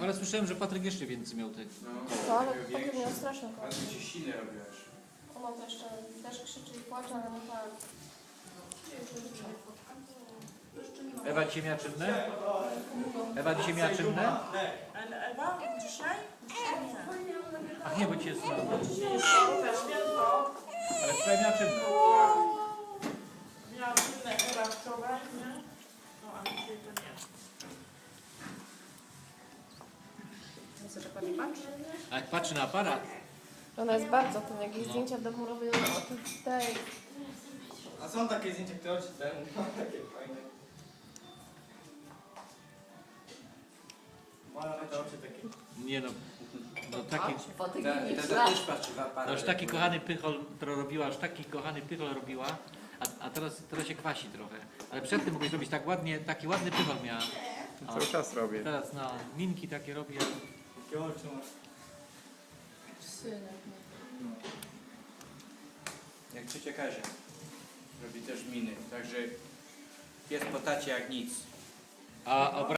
Ale słyszałem, że Patryk jeszcze więcej miał tych. No, ale potem miał straszny kot. Ale się silnie robiłaś. Ona to jeszcze też krzyczy i płacze, ale no tak. Ewa dzisiaj miała czynne? Ewa dzisiaj miała czynne? Ale Ewa, dzisiaj? Dzisiaj nie. Ach nie, bo dzisiaj jest słabo. Dzisiaj jest święto. Ale wczoraj miała czynne. Miałam inne Ewa wczoraj, nie? No, a dzisiaj to nie. Myślę, że pani patrzy. A jak patrzy na aparat, Ona jest bardzo tym, jak jej zdjęcia w domu robią o tej. A są takie zdjęcia, które oczy ten, takie fajne. Mają te oczy takie. nie no, no taki, Też patrzy w aparat. no już taki kochany pychol to robiła, aż taki kochany pychol robiła, a teraz się kwasi trochę. Ale przed tym mogłeś robić tak ładnie, taki ładny pychol miała. O, Cały czas robię. teraz no, minki takie robi. Takie oczy masz. Synek. Jak ciocia Kazia. Robi też miny. Także pies po tacie jak nic. A